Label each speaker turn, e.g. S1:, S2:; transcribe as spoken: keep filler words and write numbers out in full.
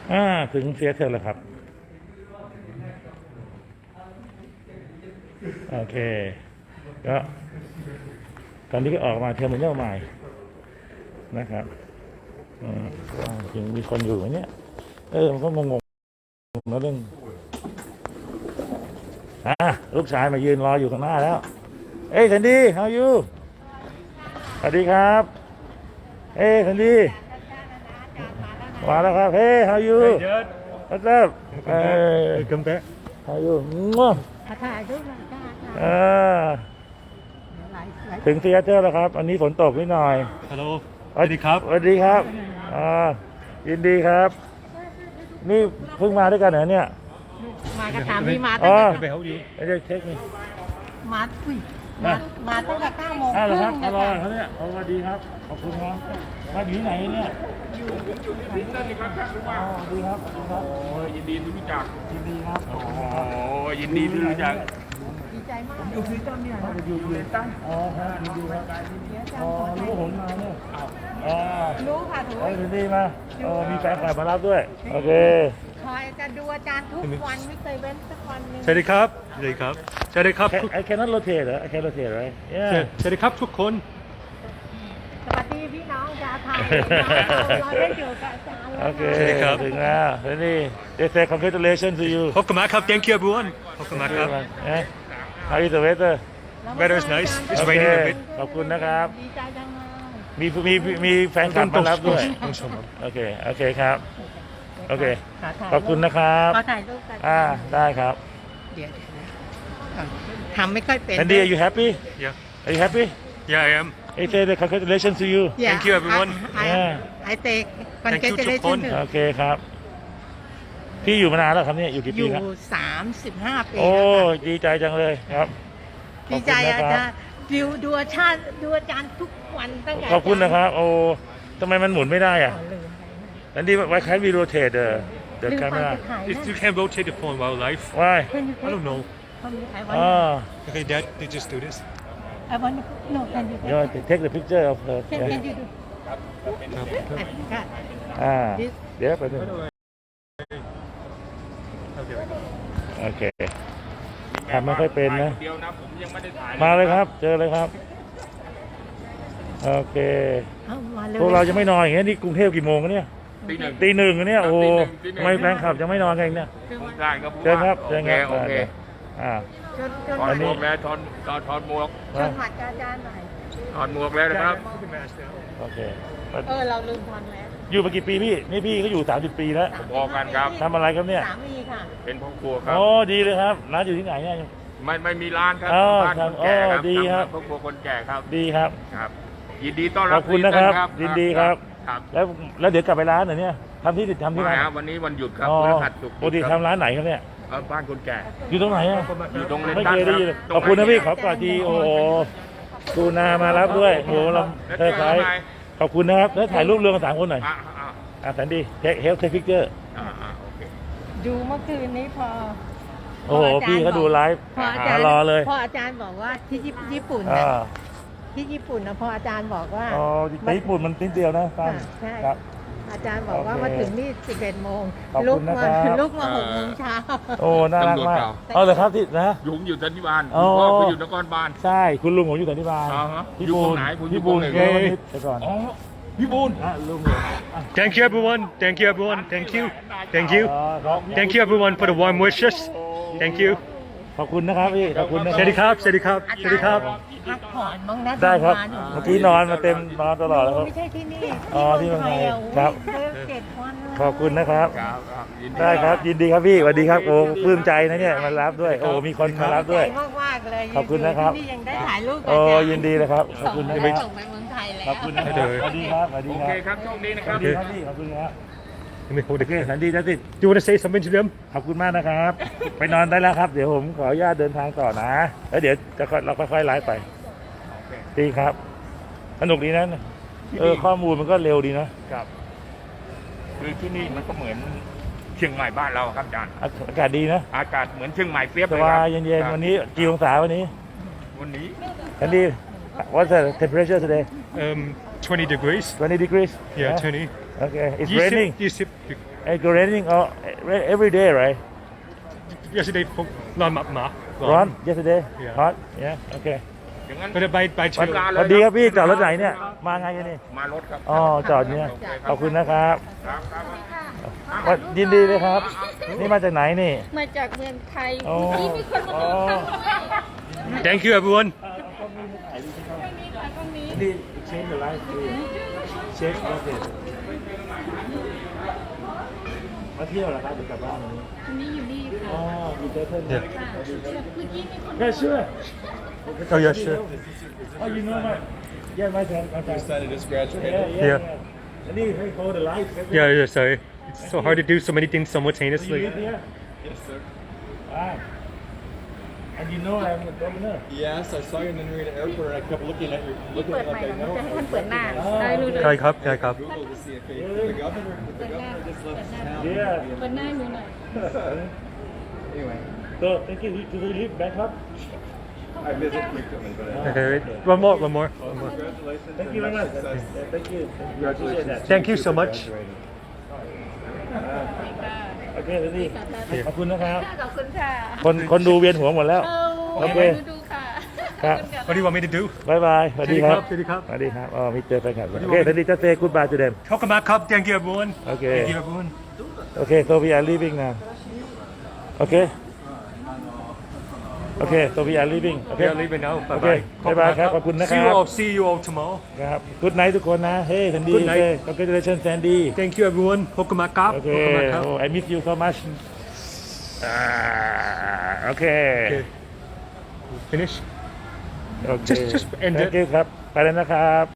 S1: อ่าถึงเซียเทอร์แล้วครับโอเคก็ตอนนี้ก็ออกมาเทอร์มินอลใหม่นะครับอืมจริงมีคนอยู่ไหมเนี่ยเออมันก็งงๆนะเรื่องอ่ะลูกชายมายืนรออยู่ข้างหน้าแล้วเอ้ยสันดี how are you สวัสดีครับเอ้ยสันดีมาแล้วครับเฮ้ how are you what's up เอ้ย
S2: Welcome back.
S1: how are you มั่ว
S3: ถ่ายรูปหน่อยค่ะ
S1: อ่าถึงซีแอตเทิลแล้วครับอันนี้ฝนตกนิดหน่อย
S2: Hello. สวัสดีครับ
S1: สวัสดีครับอ่ายินดีครับ นี่เพิ่งมาด้วยกันเหรอเนี่ย
S3: มากระถามพี่มา
S1: อ๋
S3: ตั้ง
S1: อ
S3: แต่
S2: ไปเฮาอยู่
S1: ไม่ได้เช็คนี่
S3: มาอุ้ยมามาตั้งแต่เก้าโมง
S1: อ้าวเหรอครับ
S3: ค
S1: มารอ
S3: รึ่ง
S1: เขาเนี่ยสวัสดีครับ ขอบคุณครับมาอยู่ที่ไหนเนี่ยอยู่อยู่ที่นั่นนี่ครับอ๋อดีครับดีครับ
S4: โอ้ยยินดีที่รู้จัก
S1: ยินดีครับ
S4: โอ้ยยินดีที่รู้จัก
S3: ดีใจมาก
S1: อยู่ที่ต้นเนี่ยครับอยู่อยู่ตั้งอ๋อครับยินดีครับอ๋อรู้ผมมาเนี่ยอ๋อ
S3: รู้ค่ะถูก
S1: เอ้ยยินดีมาเออมีแฟนคลับมารับด้วยโอเค
S3: คอยจะดูอาจารย์ทุกวันไม่เคยเว้นสักวันหนึง
S2: สวัสดีครับ สวัสดีครับ สวัสดีครับ
S1: I I cannot rotate เหรอ I can rotate right yeah
S2: สวัสดีครับทุกคน
S3: สวัสดีพี่น้องชาวไทยเราได้อยู่กับอาจารย์แล้ว
S1: โอเค
S2: สวัสดีครับ
S1: ถึงแล้วแล้วนี่ they say congratulations to you
S2: ขอบคุณมากครับ Thank you everyone ขอบคุณมากครับ
S1: Eh? How is the weather
S2: Weather is nice. It's
S1: โอเค
S2: raining a bit.
S1: ขอบคุณนะครับ
S3: ดีใจจังเลย
S1: มีมีมีแฟนคลับมารับด้วย
S2: ต้องชมครับ
S1: โอเค โอเคครับ โอเค
S3: ขถ่าย
S1: ขอบคุณนะครับ
S3: ขอถ่ายรูปกัน
S1: อ่า ได้ครับ
S3: เดี๋ยวก่อนทำไม่ค่อยเป็น
S1: Andy are you happy
S2: Yeah.
S1: Are you happy
S2: Yeah I am.
S1: They say the congratulations to you
S3: Yeah,
S2: Thank you, everyone.
S3: I, I,
S1: Yeah.
S3: I take
S2: Thank you ทุกคน
S3: congratulations to
S1: โอเคครับ พี่อยู่มานานแล้วครับเนี่ย อยู่กี่
S3: อ
S1: ปี
S3: ยู่
S1: ครับ
S3: สามสิบห้าปี
S1: โอ้
S3: แล้วค่ะ
S1: ดีใจจังเลยครับ
S3: ดีใจ
S1: ขอบคุณ
S3: อา
S1: นะครับ
S3: จารย์ดูดูอาจารย์ดูอาจารย์ทุกวันตั้งแต่
S1: ขอบคุณนะครับ โอ้ทำไมมันหมุนไม่ได้อ่ะ
S3: อ๋อลืม
S1: อันนี้ why can't we rotate the
S3: ไป
S1: the
S3: ลืมไป
S1: camera
S3: จะถ่าย
S2: If
S3: นั่น
S2: you can rotate the phone while live.
S1: why
S2: I don't know.
S3: I
S1: อ๋อ
S3: want
S2: Okay Dad they just do this.
S3: I want no can you
S1: you want to take the picture of her
S3: can
S1: yeah.
S3: can you do ค่ะ
S1: อ่าเดี๋ยวไปบนึงโอเคทำไม่ค่อยเป็นนะ
S4: เดียวนะผมยังไม่ได้ถ่าย
S1: มาเลยครับ เจอเลยครับ โอเค
S3: เอามาเลย
S1: พวกเราจะไม่นอนอย่างเงี้ยนี่กรุงเทพกี่โมงกันเนี่ย
S4: ตีหนึ่ง
S1: ตีหนึ่งกันเนี่ยโอ้โห
S4: ตีหนึ่ง
S1: ทำไมแฟนคลับจะไม่นอนกันอีกเนี่ย
S4: ได้ครับ
S1: เชิญครับ
S4: โอ
S1: เชิญ
S4: เค
S1: ครับ
S4: โอเค
S1: อ่า
S3: จนจน
S4: ถอ
S3: หั
S4: ด
S3: ด
S4: หมวกแล้วถอดถอดถอดหมวก
S3: จนหัดอาจารย์หน่อย
S4: ถอดหมวกแล้วนะครับ
S1: โอเค
S3: เออเราลืมทอนแล้ว
S1: อยู่มากี่ปีพี่นี่พี่ก็อยู่สามสิบปีแล้ว
S4: พอกันครับ
S1: ทำอะไรครับเนี่ย
S3: สามีค่ะ
S4: เป็นพ่อครัวครับ
S1: โอ้ดีเลยครับร้านอยู่ที่ไหนเนี่ย
S4: ไม่ไม่มีร้านครับ
S1: อ๋อ
S4: บ้านคนแก่ค
S1: ครั
S4: รั
S1: บบ ดีครับ
S4: ทำพ่อครัวคนแก่ครับ
S1: ดีครับ
S4: ครับ ยินดีต้อน
S1: ข
S4: รั
S1: อ
S4: บบ
S1: คุณนะครับ
S4: ทุกท่า
S1: ยินดีครับ
S4: ครับ
S1: แล้วแล้วเดี๋ยวกลับไปร้านเหรอเนี่ยทำที่ทำที่
S4: มา
S1: ร้าน
S4: ครับวันนี้วันหยุดครับ
S1: อ๋อ
S4: พฤหัสศุกร์
S1: ปกติทำร้านไหนครับเนี่ย
S4: เอ่อบ้านคนแก่
S1: อยู่ตรงไหนอ่ะ
S4: อยู่ตรงเลน
S1: ไม่
S4: ตัน
S1: เคยได้ยินเลย
S4: ตรง
S1: ขอบคุณนะพี่
S4: ไห
S1: ขอกอดทีโอ้โหตูนามารับด้วยโอ้โหเรา
S4: แล้ว
S1: เธอ
S4: เจอ
S1: ใคร
S4: ไหม
S1: ขอบคุณนะครับแล้วถ่ายรูปเรือกันสามคนหน่อย
S4: อ่ะอ่ะ
S1: อ่ะแสนดีเทคเฮลท์เทคพิกเจอร์
S4: อ่ะอ่ะโอเค
S3: ดูเมื่อคืนนี้พอ
S1: โอ้โหพี่เขาดูไลฟ์
S3: พออา
S1: หา
S3: จารย์
S1: รอเลย
S3: พออาจารย์บอกว่าที่ญี่ปุ่น
S1: อ่า
S3: น่ะที่ญี่ปุ่นนะพออาจารย์บอกว่า
S1: อ๋อแต่ญี่ปุ่นมันนิดเดียวนะตั้ง
S3: ค่ะใช่
S1: ครับ
S3: อาจารย์บอกว่า
S1: โอเค
S3: มาถึงนี่สิบเอ็ดโมง
S1: ขอบ
S3: ลุ
S1: คุ
S3: ก
S1: ณนะ
S3: มา
S1: ครับ
S3: ลุกมาหกโมงเช้า
S1: โอ้น่ารักมาก
S4: ตำรวจเก่า
S1: เอาเลยครับที่นะ
S4: ยุงอยู่สันติบาล
S1: อ๋อ
S4: คุณพ่อไปอยู่นครบาล
S1: ใช่คุณลุงผมอยู่สันติบาล
S4: อ่าฮะ
S1: พี่
S4: อยู่
S1: บู
S4: ตร
S1: ล
S4: งไหนผมอยู่
S1: พี่บูล
S4: ตรงไหน
S1: เกนิดแต่ก่อน
S4: อ๋อพี่บูล
S1: อ่ะลุงผมอ่ะ
S2: Thank you everyone. Thank you everyone. Thank you. Thank you.
S1: อ๋อครับ
S2: Thank you everyone for the warm wishes. Thank you.
S1: ขอบคุณนะครับพี่ขอบคุณนะ
S2: สวัสดีครับ สวัสดีครับ สวัสดีครับ
S3: พักผ่อนบ้างนะ
S1: ได้ครับ
S3: ทำงานอยู่
S1: เมื่อกี้นอนมาเต็มนอนตลอดแล้วครับ
S3: ไม่ใช่ที่นี่
S1: อ๋อที่เมืองไทย
S3: อะ
S1: ครับ
S3: โอ้ยเจ็ดวันเลย
S1: ขอบคุณนะครับ
S4: ครับครับยินดี
S1: ได้ครับยินดีครับพี่สวัสดีครับโอ้ปลื้มใจนะเนี่ยมารับด้วยโอ้มีคนมารับด้วย
S3: ใจมากๆเลย
S1: ขอบคุณนะครับ
S3: ที่ยังได้ถ่ายรูปกับ
S1: โอ้
S3: อาจาร
S1: ยินดีนะครับขอบคุณนะค
S3: ส่
S1: รับ
S3: งส่งไปเมืองไทยแล้ว
S1: ขอบคุณนะครับสวัสดีครับสวัสดี
S4: โอ
S1: ค
S4: เครับ ครับโชคดีนะ
S1: ส
S4: ครั
S1: วั
S4: บ
S1: สดีครับพี่ขอบคุณครับ
S2: Let me hold
S1: โอ
S2: it.
S1: เคสันดีนะสิ
S2: Do you want to say something to them?
S1: ขอบคุณมากนะครับ ไปนอนได้แล้วครับ เดี๋ยวผมขออนุญาตเดินทางต่อนะ แล้วเดี๋ยวจะค่อยเราค่อยๆไลฟ์ไปดีครับสนุกดีนะเออข้อมูลมันก็เร็วดีนะครับ
S4: คือที่นี่มันก็เหมือนเชียงใหม่บ้านเราครับอาจารย์
S1: อาอากาศดีนะ
S4: อากาศเหมือนเชียงใหม่เปียบ
S1: ส
S4: เลย
S1: บา
S4: ครั
S1: ยเย็นๆวันนี้กี่องศาวันนี้
S4: วันนี้
S1: สันดี what's the temperature today
S2: Um, twenty degrees.
S1: twenty degrees
S2: Yeah, twenty.
S1: okay it's
S2: ยี่สิบ
S1: raining
S2: ยี่สิบ
S1: It's raining all every day right
S2: yesterday ผมนอนหมาหมา
S1: ร้อน yesterday
S2: Yeah.
S1: hot yeah okay
S4: อย่างนั้น
S2: ไม่ได้ไปไปเชิ
S4: วั
S2: ญ
S4: นลา
S1: ส
S4: เลย
S1: วัสดีครับพี่จอดรถไหนเนี่ยมาไงกันนี่
S4: มารถครับ
S1: อ๋อจอดเนี่ยขอบคุณนะครับ
S4: ครับครับ
S1: ว่ายินดีเลยครับ นี่มาจากไหนนี่
S3: มาจากเมืองไทย
S1: อ๋อ
S3: เมื่อกี้มีคนมา
S1: อ๋อ
S3: บอกค่ะ
S2: thank you everyone
S1: นี่เชฟหรือไรเชฟโอเคมาเที่ยวเหรอครับหรือกลับบ้านวันนี้
S3: วันนี้อยู่นี่ค่ะ
S1: อ๋อมีเจอเพื่อน
S2: Yeah.
S3: ค่ะเมื่อกี้มีคน
S1: แค่เชื่อ
S2: oh yeah sure
S1: Oh, you know my, yeah, my friend, my friend.
S5: Son just graduated.
S1: Yeah, yeah,
S2: Yeah.
S1: yeah. And he, he hold the light.
S2: yeah yeah sorry it's so hard to do so many things
S1: Do you
S2: simultaneously
S1: live here?
S5: Yes, sir.
S1: Ah. And you know I'm the governor.
S5: Yes, I saw you in the Narita airport and I kept looking at you, looking
S3: เปิด
S5: at
S3: ใหม่
S5: like
S3: เหร
S5: I
S3: อมัน
S5: know.
S3: จะให้ท่านเปิดหน้า
S1: อ๋อ
S3: ได้รู้เลย
S2: ใครครับใครครับ
S5: Google to see if he, the governor, the governor just left town.
S1: Yeah.
S3: เปิดหน้าหนูหน่อย
S5: Anyway,
S1: So, thank you. Do you live Bangkok?
S5: I visit frequently, but I,
S2: okay wait one more one more one more
S5: congratulations.
S1: Thank
S5: and
S1: you very much.
S5: success.
S1: Yeah, thank you.
S5: Congratulations.
S1: Appreciate that.
S2: thank you so much
S1: Okay, นี่ขอบคุณนะครับ
S3: ขอบคุณค่ะ
S1: คนคนดูเวียนหัวหมดแล้ว
S3: เอา
S1: โอเค
S3: ดูดูค่ะ
S1: ครับ
S2: what do you want me to do
S1: บายบายสวัสดีครับ
S2: สวัสดีครับ
S1: สวัสดีครับอ๋อมีเจอแฟนคลับโอเคสวัสดีเจ้าเต้ goodbye to them
S2: welcome back ครับ thank you everyone
S1: Okay.
S2: thank you everyone
S1: Okay, so we are leaving now. Okay. Okay, so we are leaving.
S2: we
S1: Okay.
S2: are leaving now bye
S1: โอเค
S2: bye
S1: บ๊ายบายครับขอบคุณนะค
S2: see
S1: รั
S2: you
S1: บ
S2: all see you all tomorrow
S1: ครับ Good night ทุกคนนะ Hey Sandy
S2: Good night.
S1: Okay, congratulations Sandy
S2: thank you everyone พบกันมาครับ
S1: โอเค
S2: พบกันมาครับ
S1: Oh, I miss you so much อ่าโอเค
S2: okay finish
S1: โอเค
S2: Just- just end it.
S1: Thank you ครับ ไปแล้วนะครับ